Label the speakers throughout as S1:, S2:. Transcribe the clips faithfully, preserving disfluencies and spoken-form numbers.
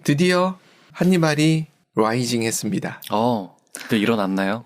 S1: 드디어 한니발이 라이징 했습니다.
S2: 어, 또 일어났나요?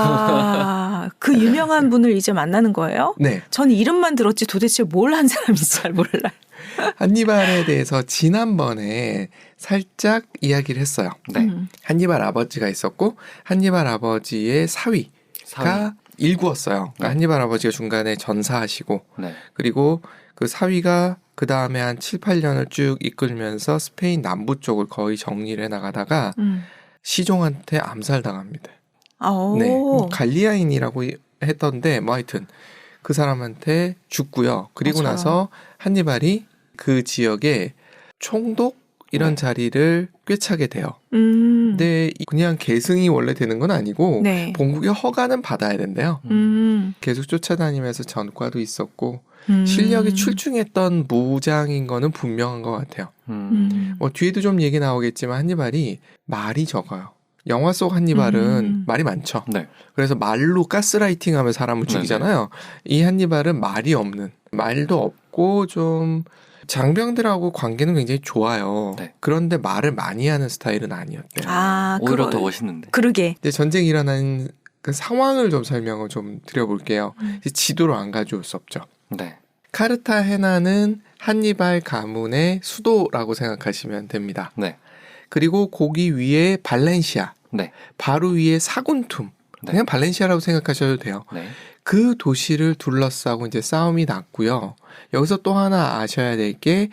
S3: 와, 그 유명한 분을 이제 만나는 거예요?
S1: 네.
S3: 전 이름만 들었지 도대체 뭘 한 사람인지 잘 몰라요.
S1: 한니발에 대해서 지난번에 살짝 이야기를 했어요.
S2: 네.
S3: 음.
S1: 한니발 아버지가 있었고 한니발 아버지의 사위가
S2: 사위.
S1: 일구었어요. 그러니까
S2: 네.
S1: 한니발 아버지가 중간에 전사하시고
S2: 네.
S1: 그리고 그 사위가 그 다음에 한 칠, 팔 년을 쭉 이끌면서 스페인 남부 쪽을 거의 정리를 해나가다가
S3: 음.
S1: 시종한테 암살당합니다.
S3: 오.
S1: 네, 뭐 갈리아인이라고 했던데 뭐 하여튼 그 사람한테 죽고요. 그리고
S3: 아, 저런.
S1: 나서 한니발이 그 지역에 총독 이런
S2: 네.
S1: 자리를 꿰차게 돼요.
S3: 음.
S1: 근데 그냥 계승이 원래 되는 건 아니고
S3: 네.
S1: 본국의 허가는 받아야 된대요.
S3: 음.
S1: 계속 쫓아다니면서 전과도 있었고
S3: 음.
S1: 실력이 출중했던 무장인 거는 분명한 것 같아요.
S2: 음.
S3: 음.
S1: 뭐 뒤에도 좀 얘기 나오겠지만 한니발이 말이 적어요. 영화 속 한니발은
S3: 음.
S1: 말이 많죠.
S2: 네.
S1: 그래서 말로 가스라이팅하면 사람을 죽이잖아요. 이 한니발은 말이 없는, 말도 없고 좀 장병들하고 관계는 굉장히 좋아요.
S2: 네.
S1: 그런데 말을 많이 하는 스타일은 아니었대요.
S3: 아,
S2: 오히려
S3: 그거-
S2: 더 멋있는데.
S3: 그러게.
S1: 이제 전쟁이 일어난 그 상황을 좀 설명을 좀 드려볼게요.
S3: 음.
S1: 이제 지도로 안 가져올 수 없죠.
S2: 네.
S1: 카르타헤나는 한니발 가문의 수도라고 생각하시면 됩니다.
S2: 네.
S1: 그리고 거기 위에 발렌시아,
S2: 네.
S1: 바로 위에 사군툼,
S2: 네.
S1: 그냥 발렌시아라고 생각하셔도 돼요.
S2: 네.
S1: 그 도시를 둘러싸고 이제 싸움이 났고요. 여기서 또 하나 아셔야 될 게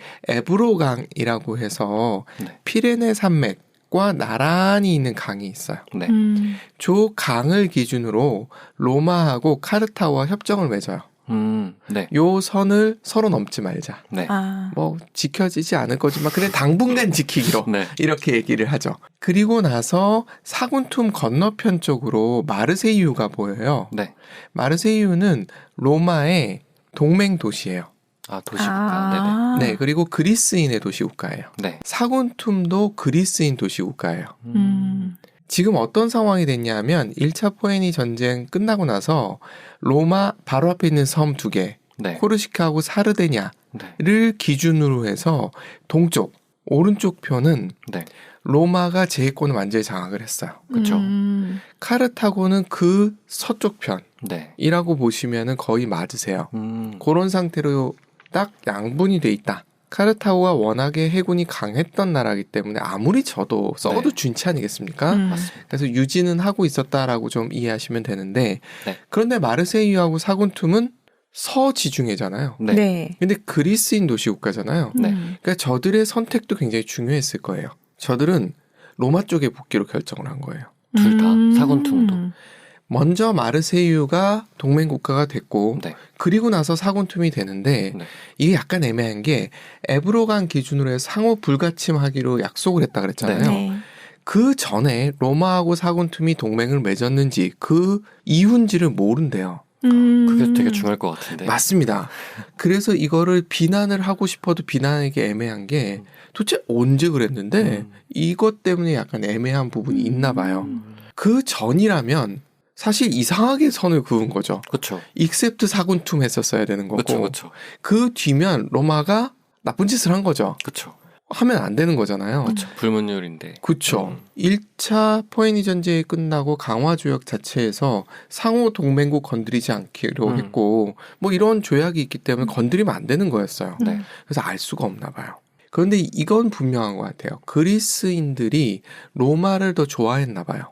S1: 에브로강이라고 해서
S2: 네.
S1: 피레네 산맥과 나란히 있는 강이 있어요.
S2: 네.
S3: 음.
S1: 저 강을 기준으로 로마하고 카르타와 협정을 맺어요.
S2: 음. 네.
S1: 요 선을 서로 넘지 말자.
S2: 네.
S3: 아.
S1: 뭐 지켜지지 않을 거지만 그래 당분간 지키기로
S2: 네.
S1: 이렇게 얘기를 하죠. 그리고 나서 사군툼 건너편 쪽으로 마르세유가 보여요.
S2: 네.
S1: 마르세유는 로마의 동맹 도시예요.
S2: 아, 도시국가.
S3: 아.
S1: 네, 그리고 그리스인의 도시 국가예요.
S2: 네네. 네.
S1: 사군툼도 그리스인 도시 국가예요.
S3: 음.
S1: 지금 어떤 상황이 됐냐면 일 차 포에니 전쟁 끝나고 나서 로마 바로 앞에 있는 섬 두 개,
S2: 네.
S1: 코르시카하고 사르데냐를
S2: 네.
S1: 기준으로 해서 동쪽, 오른쪽 편은
S2: 네.
S1: 로마가 제해권을 완전히 장악을 했어요.
S2: 그쵸.
S3: 음.
S1: 카르타고는 그 서쪽
S2: 네.
S1: 편이라고 보시면은 거의 맞으세요.
S2: 음.
S1: 그런 상태로 딱 양분이 돼 있다. 카르타고가 워낙에 해군이 강했던 나라이기 때문에 아무리 져도 썩어도
S2: 네.
S1: 준치 아니겠습니까?
S3: 음.
S2: 맞습니다.
S1: 그래서 유지는 하고 있었다라고 좀 이해하시면 되는데
S2: 네.
S1: 그런데 마르세유하고 사군툼은 서지중해잖아요.
S2: 네.
S3: 네.
S1: 근데 그리스인 도시 국가잖아요.
S2: 네.
S3: 음.
S1: 그러니까 저들의 선택도 굉장히 중요했을 거예요. 저들은 로마 쪽에 복귀로 결정을 한 거예요.
S2: 둘 다,
S3: 음.
S2: 사군tum도.
S1: 먼저 마르세유가 동맹 국가가 됐고
S2: 네.
S1: 그리고 나서 사군툼이 되는데
S2: 네.
S1: 이게 약간 애매한 게 에브로강 기준으로 해서 상호 불가침하기로 약속을 했다 그랬잖아요.
S3: 네.
S1: 그 전에 로마하고 사군툼이 동맹을 맺었는지 그 이유인지를 모른대요.
S3: 음.
S2: 그게 되게 중요할 것 같은데.
S1: 맞습니다. 그래서 이거를 비난을 하고 싶어도 비난하기 애매한 게 도대체 언제 그랬는데
S2: 음.
S1: 이것 때문에 약간 애매한 부분이 있나 봐요.
S2: 음.
S1: 그 전이라면 사실 이상하게 선을 그은 거죠.
S2: 그쵸.
S1: 익셉트 사군툼 했었어야 되는 거고
S2: 그쵸, 그쵸.
S1: 그 뒤면 로마가 나쁜 짓을 한 거죠.
S2: 그쵸.
S1: 하면 안 되는 거잖아요.
S2: 그쵸. 불문율인데.
S1: 그쵸.
S2: 음.
S1: 일 차 포에니 전쟁이 끝나고 강화 조약 자체에서 상호 동맹국 건드리지 않기로
S2: 음.
S1: 했고 뭐 이런 조약이 있기 때문에 건드리면 안 되는 거였어요.
S2: 네.
S1: 그래서 알 수가 없나 봐요. 그런데 이건 분명한 것 같아요. 그리스인들이 로마를 더 좋아했나 봐요.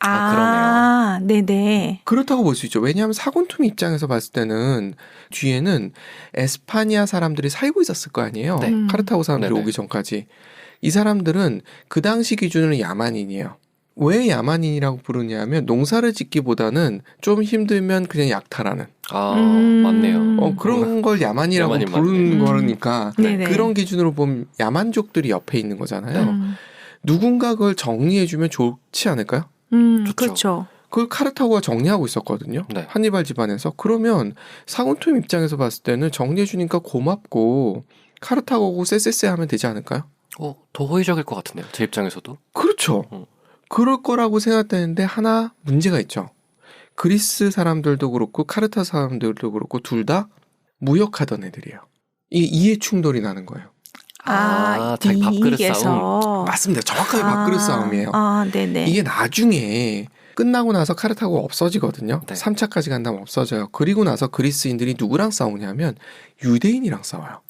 S3: 아, 네네.
S1: 그렇다고 볼 수 있죠. 왜냐하면 사군툼 입장에서 봤을 때는 뒤에는 에스파니아 사람들이 살고 있었을 거 아니에요.
S2: 네.
S3: 음.
S1: 카르타고 사람들이
S2: 네네.
S1: 오기 전까지. 이 사람들은 그 당시 기준으로 야만인이에요. 왜 야만인이라고 부르냐면 농사를 짓기보다는 좀 힘들면 그냥 약탈하는
S2: 아,
S3: 음.
S2: 맞네요.
S1: 어, 그런 걸 야만이라고
S2: 야만인
S1: 부르는
S3: 맞네.
S1: 거니까
S3: 네네.
S1: 그런 기준으로 보면 야만족들이 옆에 있는 거잖아요.
S3: 음.
S1: 누군가 그걸 정리해주면 좋지 않을까요?
S3: 음,
S2: 좋죠.
S3: 그렇죠.
S1: 그걸 카르타고가 정리하고 있었거든요.
S2: 네.
S1: 한니발 집안에서. 그러면 사군툼 입장에서 봤을 때는 정리해주니까 고맙고 카르타고고 쎄쎄쎄 하면 되지 않을까요?
S2: 어, 더 호의적일 것 같은데요. 제 입장에서도.
S1: 그렇죠.
S2: 음.
S1: 그럴 거라고 생각되는데 하나 문제가 있죠. 그리스 사람들도 그렇고 카르타 사람들도 그렇고 둘 다 무역하던 애들이에요. 이 이해 충돌이 나는 거예요.
S3: 아,
S2: 아, 자기 밥그릇
S3: 이익에서.
S1: 맞습니다. 정확하게 밥그릇 싸움이에요.
S3: 아, 네네.
S1: 이게 나중에 끝나고 나서 카르타고가 없어지거든요.
S2: 네.
S1: 삼 차까지 간다면 없어져요. 그리고 나서 그리스인들이 누구랑 싸우냐면 유대인이랑 싸워요.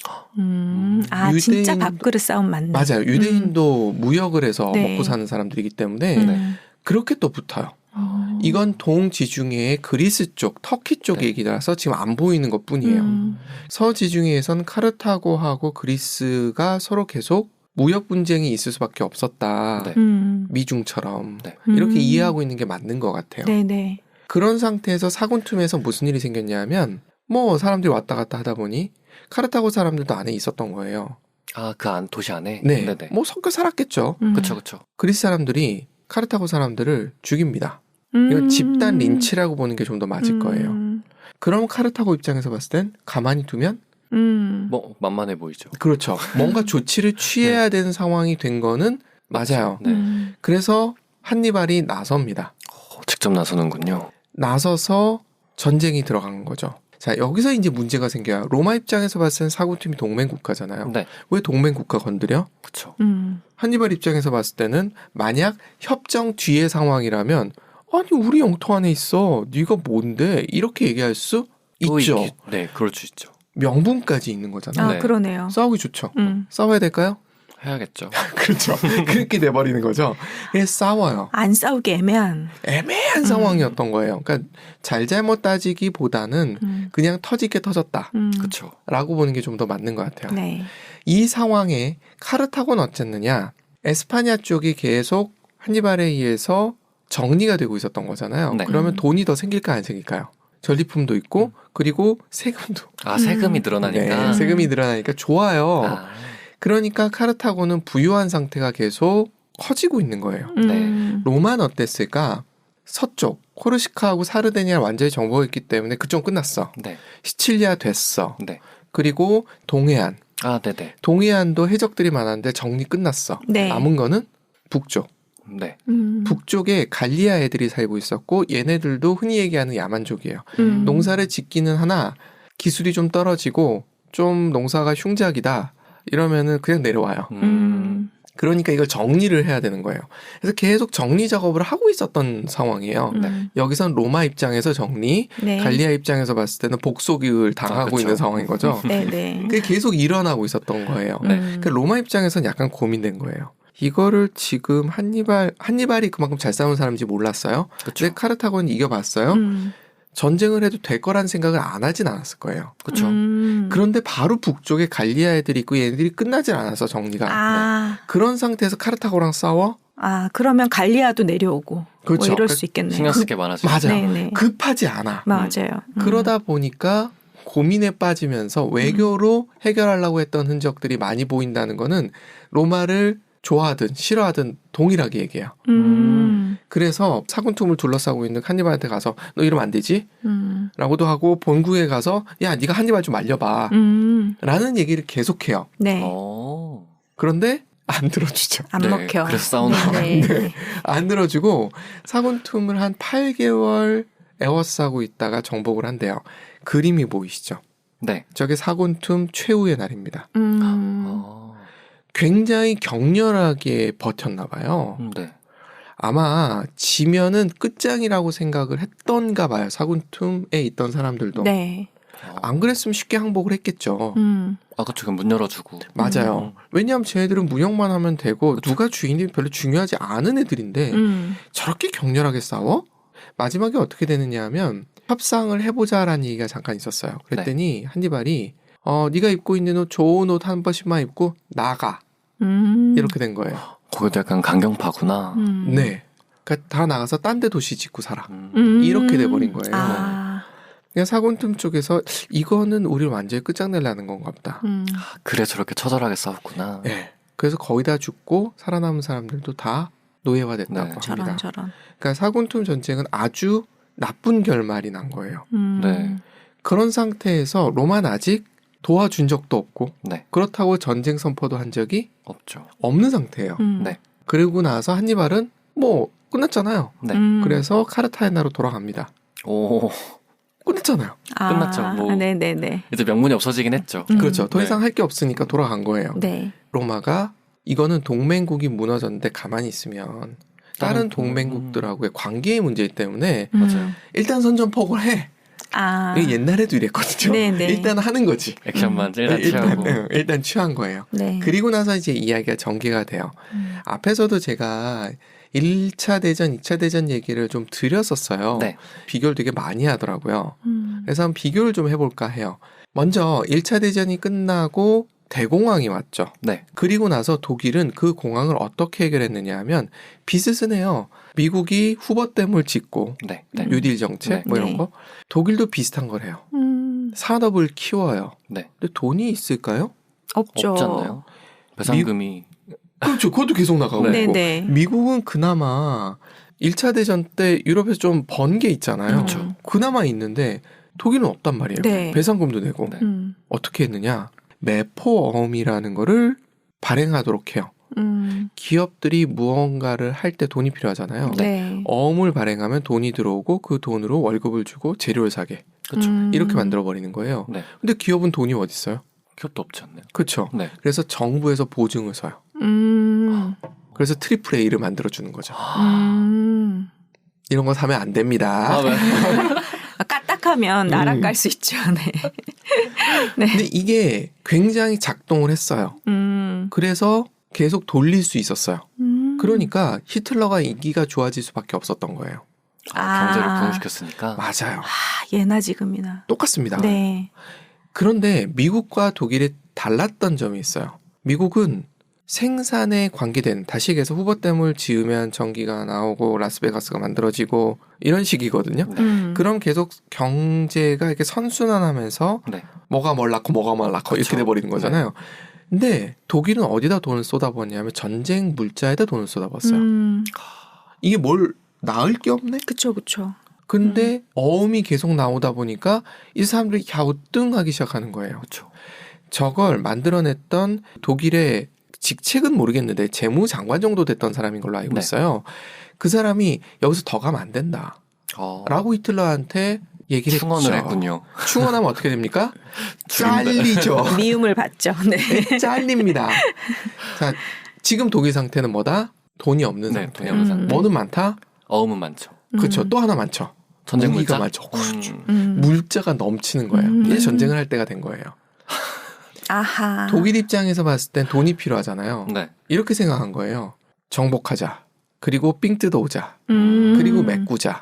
S3: 음, 아,
S1: 유대인-
S3: 진짜 밥그릇 싸움 맞네.
S1: 맞아요. 유대인도 무역을 해서
S3: 네.
S1: 먹고 사는 사람들이기 때문에
S3: 음.
S1: 그렇게 또 붙어요.
S3: 음.
S1: 이건 동지중해의 그리스 쪽, 터키 쪽
S2: 네.
S1: 얘기라서 지금 안 보이는 것 뿐이에요.
S3: 음.
S1: 서지중해에선 카르타고하고 그리스가 서로 계속 무역 분쟁이 있을 수밖에 없었다.
S2: 네.
S3: 음.
S1: 미중처럼.
S2: 네.
S1: 이렇게
S3: 음.
S1: 이해하고 있는 게 맞는 것 같아요.
S3: 네네.
S1: 그런 상태에서 사군툼에서 무슨 일이 생겼냐면 뭐 사람들이 왔다 갔다 하다 보니 카르타고 사람들도 안에 있었던 거예요.
S2: 아, 그 안 도시 안에?
S1: 네.
S2: 네네.
S1: 뭐 섞여 살았겠죠.
S3: 음.
S2: 그쵸, 그쵸.
S1: 그리스 사람들이 카르타고 사람들을 죽입니다.
S3: 음.
S1: 이건 집단 린치라고 보는 게 좀 더 맞을
S3: 음.
S1: 거예요. 그럼 카르타고 입장에서 봤을 땐 가만히 두면
S3: 음.
S2: 뭐, 만만해 보이죠.
S1: 그렇죠. 뭔가 조치를 취해야 되는 상황이 된 거는 맞아요.
S2: 네.
S3: 음.
S1: 그래서 한니발이 나섭니다.
S2: 어, 직접 나서는군요.
S1: 나서서 전쟁이 들어간 거죠. 자, 여기서 이제 문제가 생겨요. 로마 입장에서 봤을 땐 사군팀이 동맹 국가잖아요.
S2: 네.
S1: 왜 동맹 국가 건드려?
S2: 그쵸.
S3: 음.
S1: 한니발 입장에서 봤을 때는 만약 협정 뒤의 상황이라면 아니 우리 영토 안에 있어. 네가 뭔데? 이렇게 얘기할 수
S2: 또
S1: 있죠.
S2: 있기- 네, 그럴 수 있죠.
S1: 명분까지 있는 거잖아요.
S3: 아,
S2: 네.
S3: 그러네요.
S1: 싸우기 좋죠.
S3: 음.
S1: 싸워야 될까요?
S2: 해야겠죠.
S1: 그렇죠. 그렇게 돼버리는 거죠. 그래서 싸워요.
S3: 안 싸우기 애매한.
S1: 애매한
S3: 음.
S1: 상황이었던 거예요. 그러니까 잘잘못 따지기보다는
S3: 음.
S1: 그냥 터지게 터졌다라고
S3: 음.
S2: 그쵸.
S1: 보는 게 좀 더 맞는 것 같아요.
S3: 네.
S1: 이 상황에 카르타고는 어쨌느냐? 에스파냐 쪽이 계속 한니발에 의해서 정리가 되고 있었던 거잖아요.
S2: 네.
S1: 그러면
S3: 음.
S1: 돈이 더 생길까 안 생길까요? 전리품도 있고 그리고 세금도
S2: 아, 세금이
S3: 음.
S2: 늘어나니까.
S1: 네, 세금이 늘어나니까 좋아요.
S2: 아,
S1: 그러니까 카르타고는 부유한 상태가 계속 커지고 있는 거예요.
S3: 음.
S1: 로마는 어땠을까? 서쪽 코르시카하고 사르데니아 완전히 정복했기 때문에 그쪽 끝났어.
S2: 네.
S1: 시칠리아 됐어.
S2: 네.
S1: 그리고 동해안.
S2: 아, 네네.
S1: 동해안도 해적들이 많았는데 정리 끝났어.
S3: 네.
S1: 남은 거는 북쪽.
S2: 네.
S3: 음.
S1: 북쪽에 갈리아 애들이 살고 있었고 얘네들도 흔히 얘기하는 야만족이에요.
S3: 음.
S1: 농사를 짓기는 하나 기술이 좀 떨어지고 좀 농사가 흉작이다. 이러면은 그냥 내려와요.
S2: 음.
S3: 음.
S1: 그러니까 이걸 정리를 해야 되는 거예요. 그래서 계속 정리 작업을 하고 있었던 상황이에요.
S3: 음.
S1: 여기선 로마 입장에서 정리,
S3: 네.
S1: 갈리아 입장에서 봤을 때는 복속을 당하고
S2: 아, 그쵸.
S1: 있는 상황인 거죠.
S3: 네네.
S1: 그게 계속 일어나고 있었던 거예요.
S2: 네.
S3: 음.
S1: 그 로마 입장에서는 약간 고민된 거예요. 이거를 지금 한니발, 한니발이 그만큼 잘 싸우는 사람인지 몰랐어요.
S2: 그쵸.
S1: 근데 카르타고는 이겨봤어요.
S3: 음.
S1: 전쟁을 해도 될 거란 생각을 안 하진 않았을 거예요.
S2: 그쵸.
S3: 음.
S1: 그런데 바로 북쪽에 갈리아 애들이 있고 얘네들이 끝나질 않아서 정리가.
S3: 아,
S1: 그런 상태에서 카르타고랑 싸워?
S3: 아, 그러면 갈리아도 내려오고.
S1: 그렇죠.
S3: 뭐 이럴
S1: 그-
S3: 수 있겠네요.
S2: 신경 쓸 게 많아지죠.
S1: 맞아.
S3: 네네.
S1: 급하지 않아.
S3: 맞아요. 음.
S1: 그러다 보니까 고민에 빠지면서 외교로 해결하려고 했던 흔적들이 많이 보인다는 거는 로마를 좋아하든 싫어하든 동일하게 얘기해요.
S3: 음.
S1: 그래서 사군툼을 둘러싸고 있는 한니발한테 가서 너 이러면 안 되지?
S3: 음.
S1: 라고도 하고 본국에 가서 야 네가 한니발 좀 말려봐
S3: 음.
S1: 라는 얘기를 계속해요.
S3: 네.
S2: 어.
S1: 그런데 안 들어주죠.
S3: 안
S2: 네,
S3: 먹혀.
S2: 그래서 싸우는
S3: 네. 네.
S1: 안 들어주고 사군툼을 한 팔 개월 에워싸고 있다가 정복을 한대요. 그림이 보이시죠?
S2: 네.
S1: 저게 사군툼 최후의 날입니다.
S3: 음.
S2: 어.
S1: 굉장히 격렬하게 버텼나 봐요.
S2: 음, 네.
S1: 아마 지면은 끝장이라고 생각을 했던가 봐요. 사군툼에 있던 사람들도.
S3: 네.
S2: 어.
S1: 안 그랬으면 쉽게 항복을 했겠죠.
S3: 음.
S2: 아, 그쵸. 그럼 문 열어주고.
S1: 맞아요.
S2: 음.
S1: 왜냐하면 쟤네들은 무역만 하면 되고
S2: 그쵸.
S1: 누가 주인이 별로 중요하지 않은 애들인데
S3: 음.
S1: 저렇게 격렬하게 싸워? 마지막에 어떻게 되느냐 하면 협상을 해보자라는 얘기가 잠깐 있었어요. 그랬더니 한니발이 어 네가 입고 있는 옷 좋은 옷 한 번씩만 입고 나가
S3: 음.
S1: 이렇게 된 거예요.
S2: 거기도 약간 강경파구나.
S3: 음.
S1: 네. 그러니까 다 나가서 딴 데 도시 짓고 살아.
S2: 음.
S3: 음.
S1: 이렇게 돼버린 거예요.
S3: 아.
S1: 그냥 사군틈 쪽에서 이거는 우리를 완전히 끝장내려는 건가 보다.
S3: 음.
S2: 그래 저렇게 처절하게 싸웠구나.
S1: 네. 그래서 거의 다 죽고 살아남은 사람들도 다 노예화됐다고
S2: 네.
S1: 합니다.
S3: 저런 저런.
S1: 그러니까 사군툼 전쟁은 아주 나쁜 결말이 난 거예요.
S3: 음.
S2: 네.
S1: 그런 상태에서 로마는 아직 도와준 적도 없고
S2: 네.
S1: 그렇다고 전쟁 선포도 한 적이
S2: 없죠.
S1: 없는 상태예요.
S3: 음.
S2: 네.
S1: 그러고 나서 한니발은 뭐 끝났잖아요.
S2: 네.
S3: 음.
S1: 그래서 카르타헤나로 돌아갑니다.
S2: 오.
S1: 끝났잖아요.
S3: 아,
S2: 끝났죠. 뭐.
S3: 네네네.
S2: 이제 명분이 없어지긴 했죠.
S3: 음.
S1: 그렇죠. 더
S2: 네.
S1: 이상 할 게 없으니까 돌아간 거예요.
S3: 네.
S1: 로마가 이거는 동맹국이 무너졌는데 가만히 있으면 다른
S2: 다른 동-
S1: 동맹국들하고의 관계의 문제이기 때문에
S3: 음.
S2: 맞아요.
S1: 일단 선전포고를 해.
S3: 아.
S1: 이게 옛날에도 이랬거든요.
S3: 네네.
S1: 일단 하는 거지.
S2: 액션만 일단
S1: 일단,
S2: 취하고.
S1: 네, 일단 취한 거예요.
S3: 네.
S1: 그리고 나서 이제 이야기가 전개가 돼요.
S3: 음.
S1: 앞에서도 제가 일 차 대전, 이 차 대전 얘기를 좀 드렸었어요.
S2: 네.
S1: 비교를 되게 많이 하더라고요.
S3: 음.
S1: 그래서 한번 비교를 좀 해볼까 해요. 먼저 일 차 대전이 끝나고 대공황이 왔죠.
S2: 네.
S1: 그리고 나서 독일은 그 공황을 어떻게 해결했느냐 하면 빚을 내요. 미국이 후버댐을 짓고
S2: 네. 네.
S3: 음.
S1: 뉴딜 정책
S2: 네.
S1: 뭐 이런
S3: 네.
S1: 거. 독일도 비슷한 걸 해요.
S3: 음.
S1: 산업을 키워요.
S2: 네.
S1: 근데 돈이 있을까요?
S3: 없죠.
S2: 없지 않나요? 배상금이
S1: 그렇죠. 그것도 계속 나가고
S3: 네,
S1: 있고.
S3: 네.
S1: 미국은 그나마 일 차 대전 때 유럽에서 좀 번 게 있잖아요.
S3: 그렇죠.
S1: 그나마 있는데 독일은 없단 말이에요.
S3: 네.
S1: 배상금도 내고.
S2: 네.
S3: 음.
S1: 어떻게 했느냐. 매포어음이라는 거를 발행하도록 해요.
S3: 음.
S1: 기업들이 무언가를 할 때 돈이 필요하잖아요.
S3: 네.
S1: 어음을 발행하면 돈이 들어오고 그 돈으로 월급을 주고 재료를 사게.
S2: 그렇죠.
S3: 음.
S1: 이렇게 만들어버리는 거예요.
S2: 네.
S1: 근데 기업은 돈이 어디 있어요?
S2: 기업도 없지 않나요?
S1: 그렇죠.
S2: 네.
S1: 그래서 정부에서 보증을 서요.
S3: 음.
S1: 그래서 트리플 A를 만들어주는 거죠.
S3: 음.
S1: 이런 거 사면 안 됩니다.
S2: 아, 네.
S3: 아, 까딱하면 날아갈
S1: 음.
S3: 수 있죠. 네. 네.
S1: 근데 이게 굉장히 작동을 했어요.
S3: 음.
S1: 그래서 계속 돌릴 수 있었어요.
S3: 음.
S1: 그러니까 히틀러가 인기가 좋아질 수밖에 없었던 거예요.
S2: 아, 경제를
S3: 아.
S2: 부흥시켰으니까.
S1: 맞아요.
S3: 아, 예나 지금이나.
S1: 똑같습니다.
S3: 네.
S1: 그런데 미국과 독일이 달랐던 점이 있어요. 미국은 생산에 관계된, 다시 얘기해서 후버댐을 지으면 전기가 나오고 라스베가스가 만들어지고 이런 식이거든요.
S2: 네.
S3: 음.
S1: 그럼 계속 경제가 이렇게 선순환하면서
S2: 네.
S1: 뭐가 뭘 낳고 뭐가 뭘 낳고 이렇게
S2: 그쵸.
S1: 돼버리는 거잖아요. 근데 독일은 어디다 돈을 쏟아부었냐면 전쟁 물자에다 돈을 쏟아부었어요.
S3: 음.
S1: 이게 뭘 낳을 게 없네?
S3: 그쵸, 그쵸.
S1: 근데 어음이 계속 나오다 보니까 이 사람들이 갸우뚱하기 시작하는 거예요.
S2: 그렇죠.
S1: 저걸 만들어냈던 독일의 직책은 모르겠는데 재무장관 정도 됐던 사람인 걸로 알고
S2: 네.
S1: 있어요. 그 사람이 여기서 더 가면 안 된다.
S2: 어,
S1: 라고 히틀러한테 얘기를
S2: 충원을
S1: 했죠.
S2: 했군요.
S1: 충원하면 어떻게 됩니까?
S2: 죽인다.
S1: 잘리죠.
S3: 미움을 받죠. 네.
S1: 네, 잘립니다. 자, 지금 독일 상태는 뭐다? 돈이 없는
S2: 네,
S1: 상태.
S2: 돈이 없는
S3: 음.
S2: 상태.
S1: 뭐는 많다?
S2: 어음은 많죠.
S1: 그렇죠.
S3: 음.
S1: 또 하나 많죠.
S2: 전쟁
S1: 무기가
S2: 물자.
S1: 많죠. 그렇죠.
S2: 음.
S3: 음.
S1: 물자가 넘치는 거예요.
S3: 음.
S1: 이제 전쟁을 할 때가 된 거예요.
S3: 아하.
S1: 독일 입장에서 봤을 땐 돈이 필요하잖아요.
S2: 네.
S1: 이렇게 생각한 거예요. 정복하자. 그리고 삥 뜯어오자.
S3: 음.
S1: 그리고 메꾸자.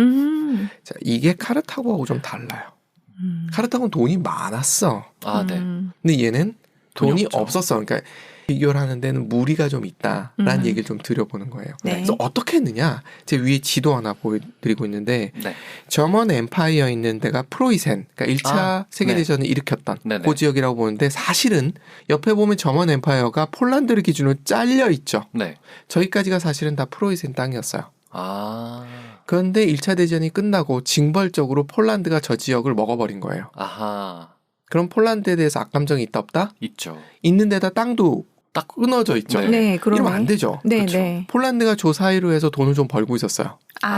S3: 음.
S1: 자, 이게 카르타고하고 좀 달라요.
S3: 음.
S1: 카르타고는 돈이 많았어.
S2: 아, 네.
S3: 음.
S1: 근데 얘는
S2: 돈이
S1: 돈이
S2: 없죠.
S1: 없었어. 그러니까 비교를 하는 데는 무리가 좀 있다라는
S3: 음.
S1: 얘기를 좀 드려보는 거예요.
S3: 네.
S1: 그래서 어떻게 했느냐? 제 위에 지도 하나 보여드리고 있는데
S2: 네.
S1: 저먼 엠파이어 있는 데가 프로이센, 그러니까 일 차
S2: 아,
S1: 세계대전을 일으켰던
S2: 네네.
S1: 그 지역이라고 보는데 사실은 옆에 보면 저먼 엠파이어가 폴란드를 기준으로 잘려 있죠.
S2: 네.
S1: 저기까지가 사실은 다 프로이센 땅이었어요.
S2: 아.
S1: 그런데 일 차 대전이 끝나고 징벌적으로 폴란드가 저 지역을 먹어버린 거예요.
S2: 아하.
S1: 그럼 폴란드에 대해서 악감정이 있다 없다?
S2: 있죠.
S1: 있는 데다 땅도 딱 끊어져 있죠.
S2: 네.
S3: 네, 그러네.
S1: 이러면 안 되죠.
S3: 네,
S2: 그쵸.
S3: 네.
S1: 폴란드가 조 사이로 해서 돈을 좀 벌고 있었어요.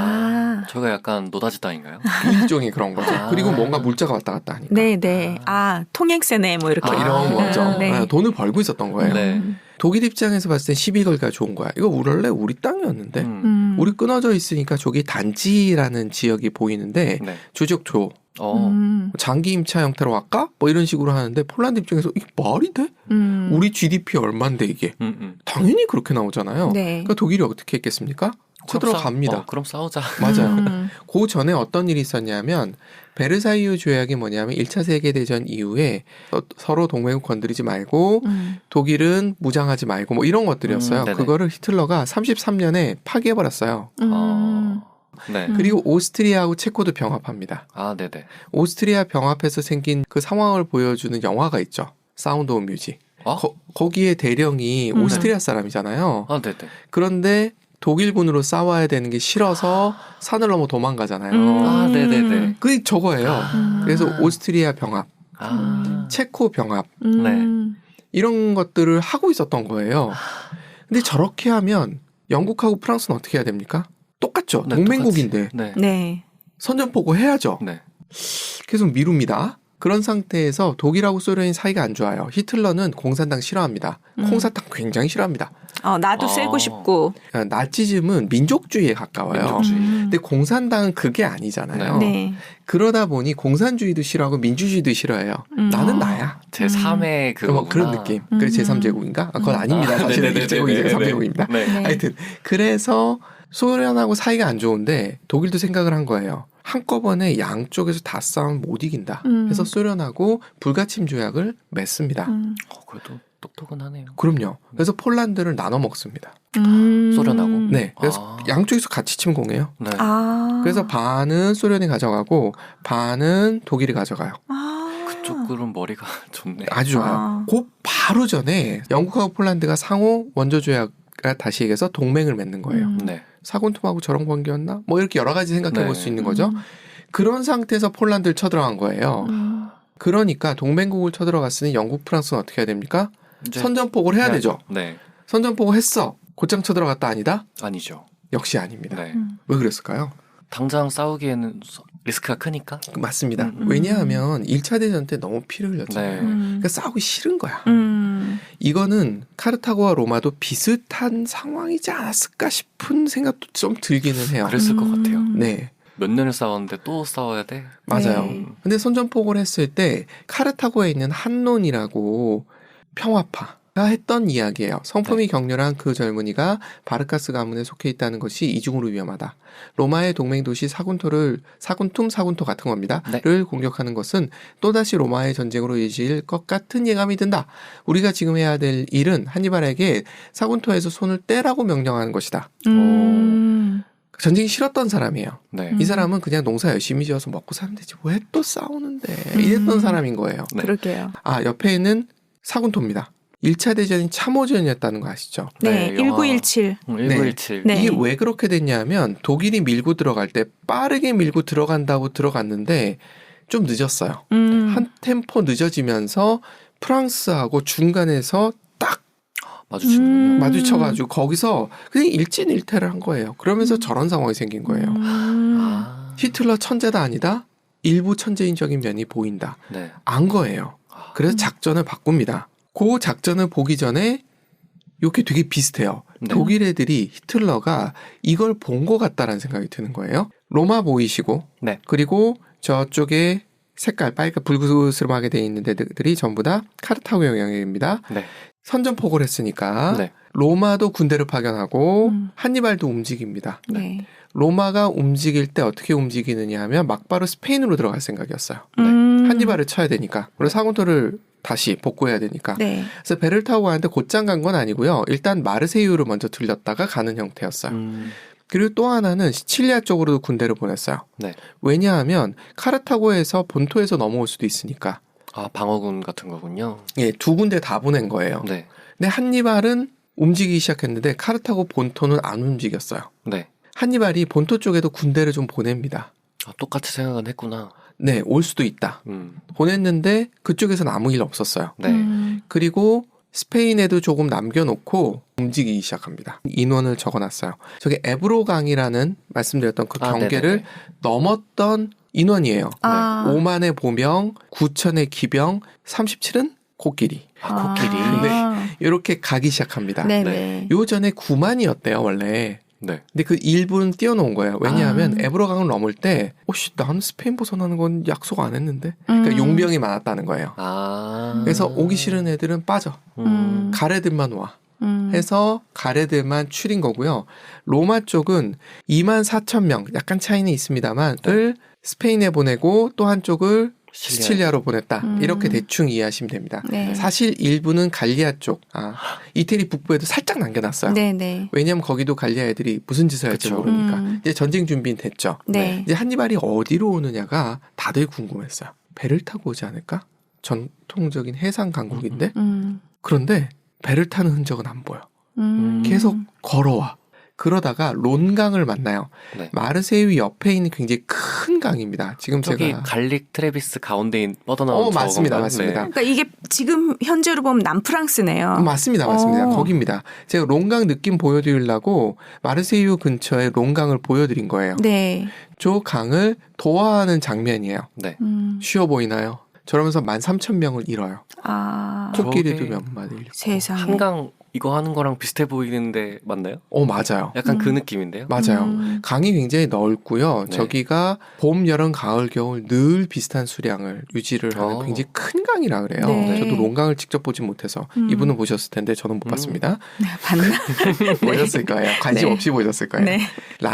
S3: 아.
S2: 저가 약간 노다지 땅인가요?
S1: 일종의 그런 거죠.
S2: 아.
S1: 그리고 뭔가 물자가 왔다 갔다 하니까.
S3: 네, 네. 아, 통행세네 뭐 이렇게.
S1: 뭐 이런
S2: 아.
S1: 거죠.
S3: 네.
S1: 네, 돈을 벌고 있었던 거예요.
S2: 네.
S3: 음.
S1: 독일 입장에서 봤을 땐 시비 걸기가 좋은 거야. 이거 원래 우리 땅이었는데
S2: 음.
S3: 음.
S1: 우리 끊어져 있으니까 저기 단지라는 지역이 보이는데
S2: 네.
S1: 조적조
S2: 어.
S3: 음.
S1: 장기 임차 형태로 할까? 뭐 이런 식으로 하는데 폴란드 입장에서 이게 말이 돼?
S3: 음.
S1: 우리 지디피 얼마인데 이게?
S2: 음, 음.
S1: 당연히 그렇게 나오잖아요.
S3: 네.
S1: 그러니까 독일이 어떻게 했겠습니까?
S2: 그럼
S1: 쳐들어갑니다.
S2: 싸- 어, 그럼 싸우자.
S1: 맞아요.
S3: 음.
S1: 그 전에 어떤 일이 있었냐면 베르사유 조약이 뭐냐면 일 차 세계대전 이후에 서- 서로 동맹국 건드리지 말고
S3: 음.
S1: 독일은 무장하지 말고 뭐 이런 것들이었어요.
S2: 음, 네네.
S1: 그거를 히틀러가 삼십삼 년에 파기해버렸어요.
S3: 음.
S2: 어. 네.
S3: 음.
S1: 그리고 오스트리아하고 체코도 병합합니다.
S2: 아, 네네.
S1: 오스트리아 병합해서 생긴 그 상황을 보여주는 영화가 있죠. 사운드 오브 뮤직.
S2: 어?
S1: 거, 거기에 대령이
S3: 음.
S1: 오스트리아 사람이잖아요.
S2: 아, 네네.
S1: 그런데 독일군으로 싸워야 되는 게 싫어서 산을 넘어 도망가잖아요.
S3: 음.
S2: 아, 네네네.
S1: 그게 저거예요.
S3: 음.
S1: 그래서 오스트리아 병합,
S2: 아.
S1: 체코 병합
S3: 음.
S1: 이런 것들을 하고 있었던 거예요. 근데 저렇게 하면 영국하고 프랑스는 어떻게 해야 됩니까? 똑같죠.
S2: 네,
S1: 동맹국인데
S2: 네.
S3: 네.
S1: 선전포고 해야죠.
S2: 네.
S1: 계속 미룹니다. 그런 상태에서 독일하고 소련이 사이가 안 좋아요. 히틀러는 공산당 싫어합니다.
S3: 음.
S1: 콩사탕 굉장히 싫어합니다.
S3: 어, 나도
S2: 아.
S3: 쐬고 싶고.
S1: 나치즘은 민족주의에 가까워요.
S2: 민족주의.
S3: 음.
S1: 근데 공산당은 그게 아니잖아요.
S3: 네.
S1: 그러다 보니 공산주의도 싫어하고 민주주의도 싫어해요.
S3: 음.
S1: 나는
S2: 어.
S1: 나야.
S2: 제삼의
S1: 뭐
S2: 그거구나.
S1: 그런 느낌.
S3: 음.
S1: 그래서 제삼 제국인가? 아, 그건
S3: 음.
S1: 아닙니다. 사실
S2: 네네네네네.
S1: 일 제국이 제삼 제국입니다.
S2: 네.
S3: 네.
S1: 하여튼 그래서 소련하고 사이가 안 좋은데 독일도 생각을 한 거예요. 한꺼번에 양쪽에서 다 싸우면 못 이긴다.
S3: 음.
S1: 해서 소련하고 불가침 조약을 맺습니다.
S3: 음.
S2: 어, 그래도 똑똑은 하네요.
S1: 그럼요. 그래서 폴란드를 나눠 먹습니다.
S3: 음.
S2: 소련하고?
S1: 네. 그래서
S2: 아.
S1: 양쪽에서 같이 침공해요.
S2: 네.
S3: 아.
S1: 그래서 반은 소련이 가져가고 반은 독일이 가져가요.
S3: 아.
S2: 그쪽은 머리가 좋네.
S1: 아주 좋아요.
S3: 아.
S1: 그 바로 전에 영국하고 폴란드가 상호 원조 조약을 다시 얘기해서 동맹을 맺는 거예요.
S3: 음.
S2: 네.
S1: 사군통하고 저런 관계였나? 뭐 이렇게 여러 가지 생각해 볼 수
S2: 네.
S1: 있는 거죠.
S3: 음.
S1: 그런 상태에서 폴란드를 쳐들어간 거예요.
S3: 음.
S1: 그러니까 동맹국을 쳐들어갔으니 영국, 프랑스는 어떻게 해야 됩니까?
S2: 이제
S1: 선전포고를 해야 되죠.
S2: 네.
S1: 선전포고 했어. 곧장 쳐들어갔다 아니다?
S2: 아니죠.
S1: 역시 아닙니다.
S2: 네.
S3: 음.
S1: 왜 그랬을까요?
S2: 당장 싸우기에는 서- 리스크가 크니까.
S1: 맞습니다.
S2: 음.
S1: 왜냐하면 일 차 대전 때 너무 피를 흘렸잖아요.
S2: 네.
S3: 음.
S1: 그러니까 싸우기 싫은 거야.
S3: 음.
S1: 이거는 카르타고와 로마도 비슷한 상황이지 않았을까 싶은 생각도 좀 들기는 해요.
S2: 그랬을 것
S3: 음.
S2: 같아요.
S1: 네,
S2: 몇 년을 싸웠는데 또 싸워야 돼?
S1: 맞아요.
S3: 네.
S1: 근데 선전포고를 했을 때 카르타고에 있는 한논이라고 평화파가 했던 이야기예요. 성품이 격렬한 그 젊은이가 바르카스 가문에 속해 있다는 것이 이중으로 위험하다. 로마의 동맹 도시 사군토를 사군툼 사군토 같은 겁니다.
S2: 네.
S1: 를 공격하는 것은 또다시 로마의 전쟁으로 이어질 것 같은 예감이 든다. 우리가 지금 해야 될 일은 한니발에게 사군토에서 손을 떼라고 명령하는 것이다.
S3: 음.
S1: 전쟁이 싫었던 사람이에요.
S2: 네.
S3: 음.
S1: 이 사람은 그냥 농사 열심히 지어서 먹고 사면 되지 왜 또 싸우는데
S3: 음.
S1: 이랬던 사람인 거예요.
S2: 네.
S3: 그러게요.
S1: 아 옆에는 사군토입니다. 일 차 대전이 참호전이었다는 거 아시죠?
S3: 네.
S2: 네, 영화-
S3: 일구일칠.
S2: 음, 일구일칠.
S3: 네.
S1: 이게 왜 그렇게 됐냐면 독일이 밀고 들어갈 때 빠르게 밀고 들어간다고 들어갔는데 좀 늦었어요.
S3: 음.
S1: 한 템포 늦어지면서 프랑스하고 중간에서 딱
S2: 마주치는군요.
S3: 음.
S1: 마주쳐가지고 거기서 그냥 일진일퇴를 한 거예요. 그러면서 저런 상황이 생긴 거예요.
S3: 음.
S2: 아.
S1: 히틀러 천재다 아니다? 일부 천재인적인 면이 보인다.
S2: 네.
S1: 안 거예요.
S2: 아.
S1: 그래서
S3: 음.
S1: 작전을 바꿉니다. 그 작전을 보기 전에 이게 되게 비슷해요.
S2: 네.
S1: 독일 애들이 히틀러가 이걸 본 것 같다라는 생각이 드는 거예요. 로마 보이시고
S2: 네.
S1: 그리고 저쪽에 색깔 빨간 불그스름하게 돼 있는 데들이 전부 다 카르타고 영향입니다.
S2: 네.
S1: 선전포고를 했으니까
S2: 네.
S1: 로마도 군대를 파견하고
S3: 음.
S1: 한니발도 움직입니다.
S3: 네.
S1: 로마가 움직일 때 어떻게 움직이느냐 하면 막바로 스페인으로 들어갈 생각이었어요.
S3: 음.
S1: 한니발을 쳐야 되니까. 그리고 사군토를 다시 복구해야 되니까.
S3: 네.
S1: 그래서 배를 타고 가는데 곧장 간 건 아니고요. 일단 마르세유를 먼저 들렸다가 가는 형태였어요.
S2: 음.
S1: 그리고 또 하나는 시칠리아 쪽으로도 군대를 보냈어요.
S2: 네.
S1: 왜냐하면 카르타고에서 본토에서 넘어올 수도 있으니까.
S2: 아, 방어군 같은 거군요.
S1: 예, 두 군데 다 보낸 거예요.
S2: 네.
S1: 근데 한니발은 움직이기 시작했는데 카르타고 본토는 안 움직였어요.
S2: 네.
S1: 한니발이 본토 쪽에도 군대를 좀 보냅니다.
S2: 아, 똑같이 생각은 했구나.
S1: 네, 올 수도 있다.
S2: 음.
S1: 보냈는데 그쪽에서는 아무 일 없었어요.
S2: 네.
S3: 음.
S1: 그리고 스페인에도 조금 남겨놓고 움직이기 시작합니다. 인원을 적어놨어요. 저게 에브로강이라는 말씀드렸던 그
S2: 아,
S1: 경계를
S2: 네네네.
S1: 넘었던 인원이에요.
S3: 아.
S1: 오만의 보명, 구천의 기병, 삼십칠은 코끼리.
S2: 아, 코끼리.
S3: 아.
S1: 이렇게 가기 시작합니다.
S3: 네네.
S1: 요 전에 구만이었대요, 원래.
S2: 네.
S1: 근데 그 일부는 띄워놓은 거예요. 왜냐하면
S3: 아.
S1: 에브로강을 넘을 때, 오씨, 나는 스페인 벗어나는 건 약속 안 했는데. 그러니까
S3: 음.
S1: 용병이 많았다는 거예요.
S2: 아.
S1: 그래서 오기 싫은 애들은 빠져.
S2: 음.
S1: 가래들만 와.
S3: 음.
S1: 해서 가래들만 추린 거고요. 로마 쪽은 이만 사천 명, 약간 차이는 있습니다만, 을 스페인에 보내고 또 한쪽을
S2: 시칠리아.
S1: 시칠리아로 보냈다.
S3: 음.
S1: 이렇게 대충 이해하시면 됩니다.
S3: 네.
S1: 사실 일부는 갈리아 쪽, 아, 이태리 북부에도 살짝 남겨놨어요.
S3: 네네.
S1: 왜냐하면 거기도 갈리아 애들이 무슨 짓을 할지
S2: 그쵸.
S1: 모르니까.
S3: 음.
S1: 이제 전쟁 준비는 됐죠.
S3: 네.
S1: 이제 한니발이 어디로 오느냐가 다들 궁금했어요. 배를 타고 오지 않을까? 전통적인 해상 강국인데?
S3: 음.
S1: 그런데 배를 타는 흔적은 안 보여.
S3: 음.
S1: 계속 걸어와. 그러다가 론강을 만나요.
S2: 네.
S1: 마르세유 옆에 있는 굉장히 큰 강입니다. 지금
S2: 저기
S1: 제가
S2: 갈릭 트레비스 가운데 뻗어나온
S1: 어, 맞습니다.
S2: 저건가요?
S1: 맞습니다.
S2: 네.
S3: 그러니까 이게 지금 현재로 보면 남프랑스네요.
S1: 맞습니다. 맞습니다.
S3: 어.
S1: 거기입니다. 제가 론강 느낌 보여드리려고 마르세유 근처에 론강을 보여드린 거예요.
S3: 네.
S1: 저 강을 도하하는 장면이에요.
S2: 네.
S3: 음.
S1: 쉬워 보이나요? 저러면서 만 삼천 명을 잃어요.
S3: 아.
S1: 코끼리도
S2: 저게
S1: 몇 마리 잃고.
S3: 세상에.
S2: 한강 이거 하는 거랑 비슷해 보이는데 맞나요?
S1: 어, 맞아요.
S2: 약간
S3: 음.
S2: 그 느낌인데요.
S1: 맞아요.
S3: 음.
S1: 강이 굉장히 넓고요.
S2: 네.
S1: 저기가 봄, 여름, 가을, 겨울 늘 비슷한 수량을 유지를 하는
S2: 어.
S1: 굉장히 큰 강이라 그래요.
S3: 네.
S1: 저도 론강을 직접 보진 못해서
S3: 음.
S1: 이분은 보셨을 텐데 저는 못
S2: 음.
S1: 봤습니다.
S3: 봤나?
S1: 보셨을 거예요. 관심
S3: 네.
S1: 없이 보셨을 거예요.
S3: 네.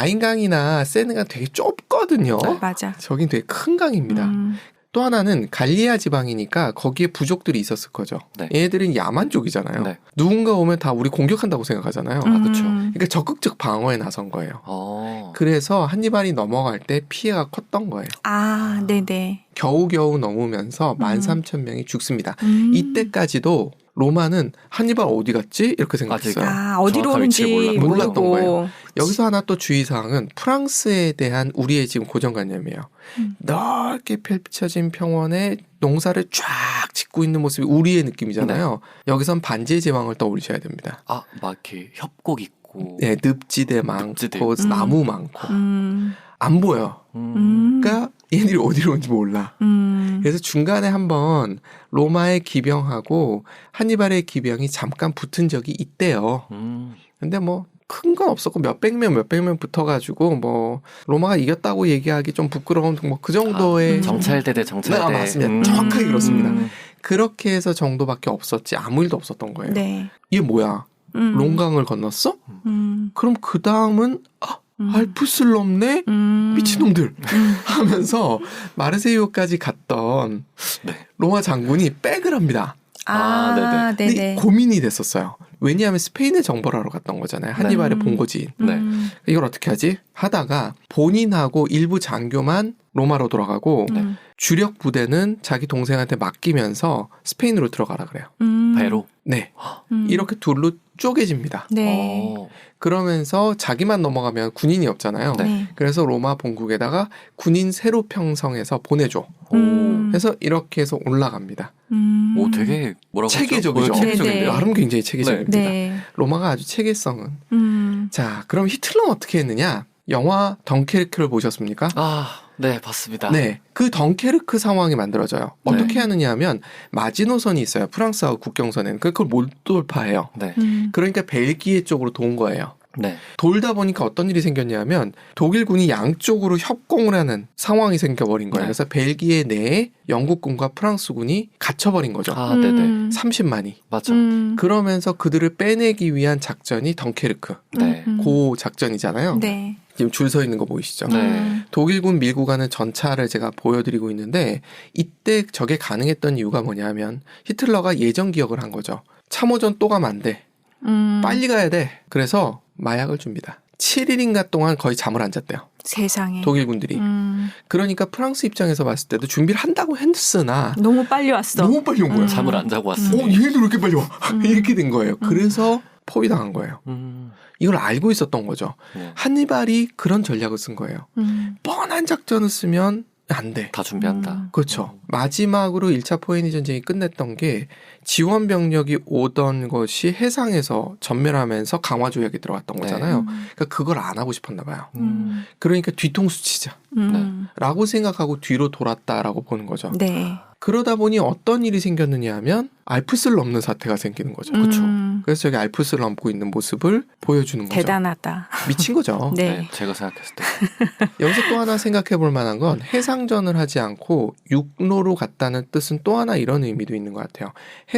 S1: 라인강이나 세느가 되게 좁거든요.
S3: 맞아.
S1: 저긴 되게 큰 강입니다.
S3: 음.
S1: 또 하나는 갈리아 지방이니까 거기에 부족들이 있었을 거죠.
S2: 네.
S1: 얘들은 야만족이잖아요.
S2: 네.
S1: 누군가 오면 다 우리 공격한다고 생각하잖아요.
S2: 아, 그쵸.
S3: 음.
S1: 그러니까 적극적 방어에 나선 거예요.
S2: 어.
S1: 그래서 한니발이 넘어갈 때 피해가 컸던 거예요.
S3: 아, 네네.
S1: 겨우겨우 넘으면서
S3: 음.
S1: 만 삼천 명이 죽습니다.
S3: 음.
S1: 이때까지도 로마는 한니발 어디 갔지? 이렇게 생각했어요.
S3: 아, 어디로
S2: 정확한
S3: 오는지
S2: 위치를
S1: 몰라- 몰랐던
S3: 모르고.
S1: 거예요. 여기서 하나 또 주의사항은 프랑스에 대한 우리의 지금 고정관념이에요.
S3: 음.
S1: 넓게 펼쳐진 평원에 농사를 쫙 짓고 있는 모습이 우리의 느낌이잖아요. 여기선 반지의 제왕을 떠올리셔야 됩니다.
S2: 아, 막 이렇게 협곡 있고.
S1: 네, 늪지대 많고
S2: 늪지대.
S3: 음.
S1: 나무 많고
S3: 음.
S1: 안 보여.
S2: 음.
S3: 음.
S1: 그러니까 얘들이 어디로 온지 몰라.
S3: 음.
S1: 그래서 중간에 한번 로마의 기병하고 한니발의 기병이 잠깐 붙은 적이 있대요.
S2: 음.
S1: 근데 뭐 큰 건 없었고 몇백 명 몇백 명 붙어가지고 뭐 로마가 이겼다고 얘기하기 좀 부끄러운 뭐 그 정도의
S3: 아, 음.
S2: 정찰대 대 정찰대.
S1: 네, 아, 맞습니다.
S2: 음.
S1: 정확하게 그렇습니다.
S2: 음.
S1: 그렇게 해서 정도밖에 없었지 아무 일도 없었던 거예요.
S3: 네.
S1: 이게 뭐야?
S3: 음.
S1: 롱강을 건넜어?
S3: 음.
S1: 그럼 그 다음은 아,
S3: 음.
S1: 알프스를 넘네?
S3: 음.
S1: 미친놈들
S3: 음.
S1: 하면서 마르세유까지 갔던
S2: 네.
S1: 로마 장군이 백을 합니다.
S3: 아,
S2: 아,
S1: 근데
S3: 네네.
S1: 고민이 됐었어요. 왜냐하면 스페인에 정벌 하러 갔던 거잖아요. 한니발의
S3: 네.
S1: 본거지인.
S2: 네.
S3: 음.
S1: 이걸 어떻게 하지? 하다가 본인하고 일부 장교만 로마로 돌아가고
S3: 음.
S1: 주력 부대는 자기 동생한테 맡기면서 스페인으로 들어가라 그래요.
S3: 음.
S2: 배로.
S1: 네.
S3: 음.
S1: 이렇게 둘로 쪼개집니다.
S3: 네.
S2: 어.
S1: 그러면서 자기만 넘어가면 군인이 없잖아요.
S2: 네.
S3: 네.
S1: 그래서 로마 본국에다가 군인 새로 평성해서 보내줘.
S3: 음.
S1: 그래서 이렇게 해서 올라갑니다.
S3: 음.
S2: 오, 되게 뭐라고
S1: 체계적이죠.
S2: 하죠? 어, 체계적인데요.
S3: 네, 네.
S1: 나름 굉장히 체계적입니다.
S3: 네.
S1: 로마가 아주 체계성은.
S3: 음.
S1: 자, 그럼 히틀러는 어떻게 했느냐? 영화 덩케르크를 보셨습니까?
S2: 아, 네, 봤습니다.
S1: 네. 그 덩케르크 상황이 만들어져요. 어떻게
S3: 네.
S1: 하느냐 하면 마지노선이 있어요. 프랑스하고 국경선에는. 그걸 못 돌파해요.
S2: 네.
S3: 음.
S1: 그러니까 벨기에 쪽으로 도운 거예요.
S2: 네.
S1: 돌다 보니까 어떤 일이 생겼냐 하면 독일군이 양쪽으로 협공을 하는 상황이 생겨버린 거예요.
S2: 네.
S1: 그래서 벨기에 내에 영국군과 프랑스군이 갇혀버린 거죠.
S2: 아, 네네.
S3: 음.
S1: 삼십만이.
S2: 맞아.
S3: 음.
S1: 그러면서 그들을 빼내기 위한 작전이 덩케르크.
S2: 네.
S3: 음.
S1: 고 작전이잖아요.
S3: 네.
S1: 지금 줄 서 있는 거 보이시죠?
S2: 네.
S3: 음.
S1: 독일군 밀고 가는 전차를 제가 보여드리고 있는데 이때 저게 가능했던 이유가 뭐냐면 히틀러가 예전 기억을 한 거죠. 참호전 또 가면 안 돼.
S3: 음.
S1: 빨리 가야 돼. 그래서 마약을 줍니다. 칠 일인가 동안 거의 잠을 안 잤대요.
S3: 세상에.
S1: 독일군들이.
S3: 음.
S1: 그러니까 프랑스 입장에서 봤을 때도 준비를 한다고 했으나
S3: 너무 빨리 왔어.
S1: 너무 빨리 온 거야.
S3: 음.
S2: 잠을 안 자고
S1: 어,
S2: 왔으니.
S1: 얘네들 왜 이렇게 빨리 와?
S3: 음.
S1: 이렇게 된 거예요.
S3: 음.
S1: 그래서 포위당한 거예요.
S2: 음.
S1: 이걸 알고 있었던 거죠.
S2: 네.
S1: 한니발이 그런 전략을 쓴 거예요.
S3: 음.
S1: 뻔한 작전을 쓰면 안 돼.
S2: 다 준비한다.
S3: 음.
S1: 그렇죠. 마지막으로 일 차 포에니 전쟁이 끝냈던 게 지원 병력이 오던 것이 해상에서 전멸하면서 강화 조약이 들어갔던
S2: 네.
S1: 거잖아요.
S3: 음.
S1: 그러니까 그걸 안 하고 싶었나 봐요.
S3: 음.
S1: 그러니까 뒤통수 치자.
S3: 음.
S1: 라고 생각하고 뒤로 돌았다라고 보는 거죠.
S3: 네.
S1: 그러다 보니 어떤 일이 생겼느냐 하면 알프스를 넘는 사태가 생기는 거죠.
S3: 음.
S1: 그래서 저기 알프스를 넘고 있는 모습을 보여주는 거죠.
S3: 대단하다.
S1: 미친 거죠.
S3: 네.
S2: 네. 제가 생각했을 때.
S1: 여기서 또 하나 생각해 볼 만한 건 해상전을 하지 않고 육로로 갔다는 뜻은 또 하나 이런 의미도 있는 것 같아요.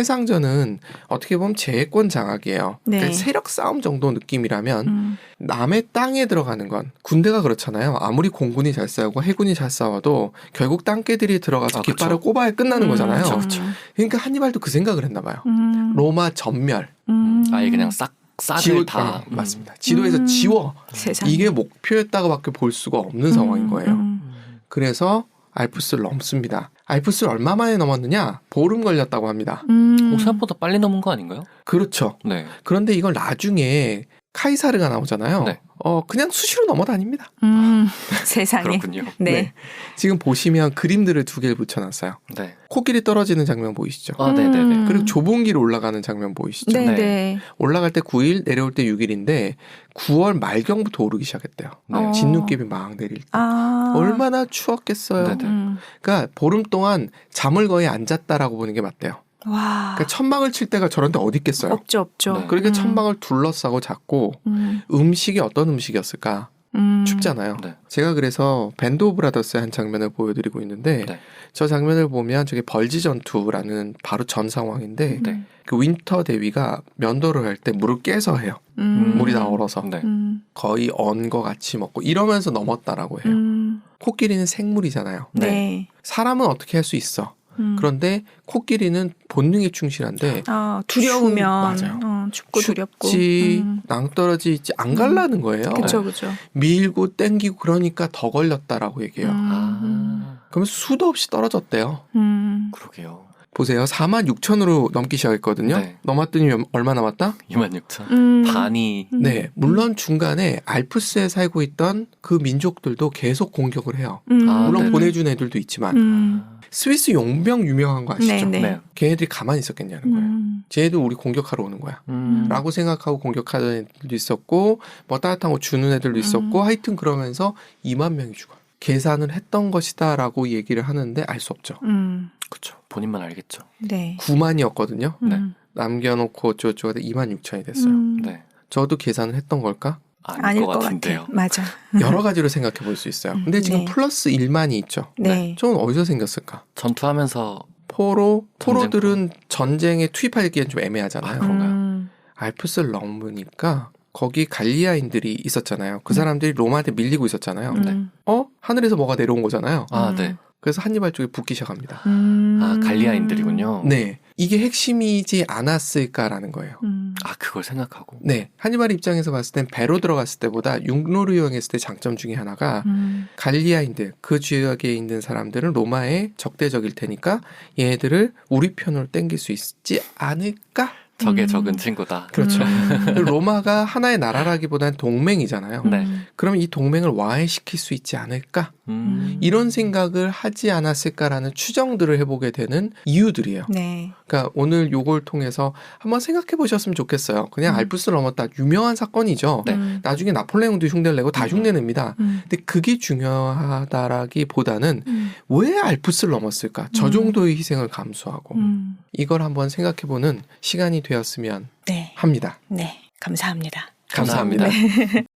S1: 해상전은 어떻게 보면 제해권 장악이에요.
S3: 네.
S1: 그러니까 세력 싸움 정도 느낌이라면
S3: 음.
S1: 남의 땅에 들어가는 건 군대가 그렇잖아요. 아무리 공군이 잘 싸우고 해군이 잘 싸워도 결국 땅개들이 들어가서
S2: 아,
S1: 깃발을
S2: 그쵸.
S1: 꼽아야 끝나는
S3: 음.
S1: 거잖아요.
S2: 그쵸, 그쵸.
S1: 그러니까 한니발도 그 생각을 했나 봐요.
S3: 음.
S1: 로마 전멸.
S3: 음.
S2: 아예 그냥 싹 싹을
S1: 지워
S2: 다.
S1: 어, 맞습니다. 지도에서
S3: 음.
S1: 지워.
S3: 세상에.
S1: 이게 목표였다고밖에 볼 수가 없는 상황인 거예요.
S3: 음.
S2: 음.
S1: 그래서 알프스를 넘습니다. 알프스를 얼마 만에 넘었느냐? 보름 걸렸다고 합니다.
S3: 음.
S2: 오, 생각보다 빨리 넘은 거 아닌가요?
S1: 그렇죠.
S2: 네.
S1: 그런데 이걸 나중에 카이사르가 나오잖아요.
S2: 네.
S1: 어 그냥 수시로 넘어다닙니다.
S3: 음, 세상에.
S2: 그렇군요.
S3: 네.
S1: 지금 보시면 그림들을 두 개를 붙여놨어요.
S2: 네.
S1: 코끼리 떨어지는 장면 보이시죠?
S2: 아, 네네네.
S3: 음.
S1: 그리고 좁은 길 올라가는 장면 보이시죠?
S3: 네,
S2: 네.
S3: 네.
S1: 올라갈 때 구 일, 내려올 때 육 일인데 구월 말경부터 오르기 시작했대요.
S2: 네.
S3: 어.
S1: 진눈깨비 막 내릴 때.
S3: 아.
S1: 얼마나 추웠겠어요.
S2: 네네.
S3: 음.
S1: 그러니까 보름 동안 잠을 거의 안 잤다라고 보는 게 맞대요.
S3: 와.
S1: 그러니까 천막을 칠 때가 저런 데 어디 있겠어요.
S3: 없죠, 없죠.
S2: 네.
S1: 그러니까
S3: 음.
S1: 천막을 둘러싸고 잤고
S3: 음.
S1: 음식이 어떤 음식이었을까?
S3: 음.
S1: 춥잖아요.
S2: 네.
S1: 제가 그래서 밴드 오브 브라더스의 한 장면을 보여드리고 있는데
S2: 네.
S1: 저 장면을 보면 저게 벌지 전투라는 바로 전 상황인데
S2: 네.
S1: 그 윈터 대위가 면도를 할 때 물을 깨서 해요.
S3: 음.
S1: 물이 다 얼어서
S2: 네.
S3: 음.
S1: 거의 언 거 같이 먹고 이러면서 넘었다라고 해요.
S3: 음.
S1: 코끼리는 생물이잖아요.
S3: 네.
S1: 사람은 어떻게 할 수 있어.
S3: 음.
S1: 그런데 코끼리는 본능에 충실한데
S3: 아, 두려우면
S1: 추- 맞아요.
S3: 어, 춥고 두렵고.
S1: 춥지
S3: 음.
S1: 낭떠러지지 안 갈라는 거예요.
S3: 그쵸, 그쵸.
S1: 밀고 땡기고 그러니까 더 걸렸다라고 얘기해요.
S3: 음.
S2: 아,
S1: 그러면 수도 없이 떨어졌대요.
S3: 음.
S2: 그러게요.
S1: 보세요. 사만 육천으로 넘기 시작했거든요.
S2: 네.
S1: 넘었더니 얼마 남았다?
S2: 이만 육천.
S3: 음.
S2: 반이.
S3: 음.
S1: 네. 물론 중간에 알프스에 살고 있던 그 민족들도 계속 공격을 해요.
S3: 음.
S2: 아,
S1: 물론
S2: 네네.
S1: 보내준 애들도 있지만
S3: 음.
S1: 스위스 용병 유명한 거 아시죠?
S3: 네,
S2: 네.
S1: 걔네들이 가만히 있었겠냐는 거예요.
S3: 음.
S1: 쟤네들 우리 공격하러 오는 거야.
S2: 음.
S1: 라고 생각하고 공격하는 애들도 있었고 뭐 따뜻한 거 주는 애들도 있었고
S3: 음.
S1: 하여튼 그러면서 이만 명이 죽어요. 계산을 했던 것이다 라고 얘기를 하는데 알 수 없죠.
S3: 음.
S2: 그렇죠. 본인만 알겠죠.
S3: 네.
S1: 구만이었거든요.
S2: 네.
S3: 음.
S1: 남겨놓고 어쩌고저쩌고 이만 육천이 됐어요.
S3: 음.
S2: 네.
S1: 저도 계산을 했던 걸까?
S2: 아닐,
S3: 아닐
S2: 것
S3: 것
S2: 같은데요.
S3: 같아. 맞아.
S1: 여러 가지로 생각해 볼 수 있어요. 근데 지금
S3: 네.
S1: 플러스 일만이 있죠.
S3: 네.
S1: 저는 어디서 생겼을까?
S2: 전투하면서
S1: 포로,
S2: 전쟁터.
S1: 포로들은 전쟁에 투입하기엔 좀 애매하잖아요.
S2: 아, 그런가요?
S3: 음.
S1: 알프스를 넘으니까 거기 갈리아인들이 있었잖아요. 그
S3: 음.
S1: 사람들이 로마한테 밀리고 있었잖아요.
S3: 음.
S1: 어? 하늘에서 뭐가 내려온 거잖아요.
S2: 아,
S3: 음.
S2: 네.
S1: 그래서 한니발 쪽에 붙기 시작합니다.
S3: 음.
S2: 아, 갈리아인들이군요.
S1: 네. 이게 핵심이지 않았을까라는 거예요.
S3: 음.
S2: 아, 그걸 생각하고.
S1: 네. 한니발 입장에서 봤을 땐 배로 들어갔을 때보다 육로를 이용했을 때 장점 중에 하나가
S3: 음.
S1: 갈리아인들, 그 지역에 있는 사람들은 로마의 적대적일 테니까 얘네들을 우리 편으로 땡길 수 있지 않을까?
S2: 적의
S3: 음.
S2: 적은 친구다.
S1: 그렇죠.
S3: 음.
S1: 그리고 로마가 하나의 나라라기보다는 동맹이잖아요.
S2: 네.
S1: 그럼 이 동맹을 와해시킬 수 있지 않을까?
S2: 음.
S1: 이런 생각을 하지 않았을까라는 추정들을 해보게 되는 이유들이에요.
S3: 네.
S1: 그러니까 오늘 요걸 통해서 한번 생각해 보셨으면 좋겠어요. 그냥
S3: 음.
S1: 알프스를 넘었다. 유명한 사건이죠.
S2: 네.
S3: 음.
S1: 나중에 나폴레옹도 흉내를 내고 다
S2: 음.
S1: 흉내냅니다.
S3: 음.
S1: 근데 그게 중요하다라기보다는
S3: 음.
S1: 왜 알프스를 넘었을까? 저
S3: 음.
S1: 정도의 희생을 감수하고
S3: 음.
S1: 이걸 한번 생각해보는 시간이 되었으면
S3: 네.
S1: 합니다.
S3: 네. 감사합니다.
S1: 감사합니다.
S2: 감사합니다.